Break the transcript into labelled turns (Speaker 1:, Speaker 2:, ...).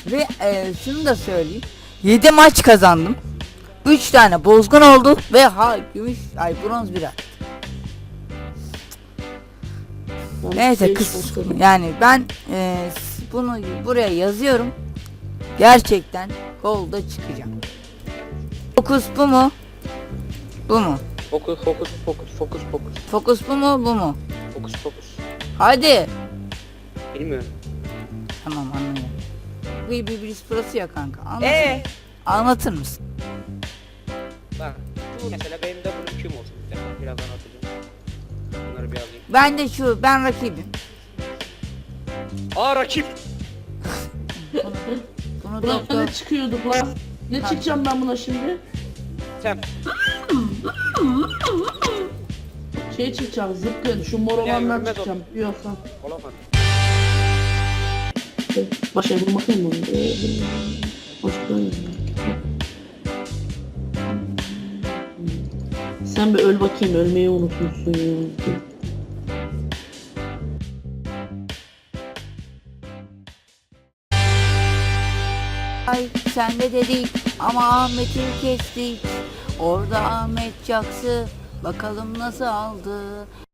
Speaker 1: Ve şunu da söyleyeyim. 7 maç kazandım. 3 tane bozgun oldu ve gümüş bronz bir. Neyse yani ben bunu buraya yazıyorum. Gerçekten golda çıkacağım. Fokus bu mu? Bu mu?
Speaker 2: Fokus.
Speaker 1: Fokus bu mu? Bu mu?
Speaker 2: Fokus.
Speaker 1: Hadi.
Speaker 2: Bilmiyorum.
Speaker 1: Tamam anlıyorum. Bir sırası ya kanka. Anlatır mısın?
Speaker 2: Bak şu mesela benim de bunun kim olsun bir dakika biraz anlatacağım. Bunları bir alayım.
Speaker 1: Ben rakibim.
Speaker 2: Rakip.
Speaker 1: Bunu
Speaker 3: Buna
Speaker 1: doktor
Speaker 3: ne çıkıyorduk lan? Ne çıkacağım ben buna şimdi?
Speaker 2: Sen.
Speaker 3: Çıkacağım zıpkın şu mor olanlar
Speaker 2: görmez
Speaker 3: çıkacağım biliyorsan.
Speaker 2: Olamadı.
Speaker 3: Başa bir bakayım mı? Hoş geldin. Sen bir öl bakayım, ölmeyi unutmuşsun ya.
Speaker 1: Sen de dedik ama Ahmet'i kestik. Orada Ahmet Çaksı bakalım nasıl aldı.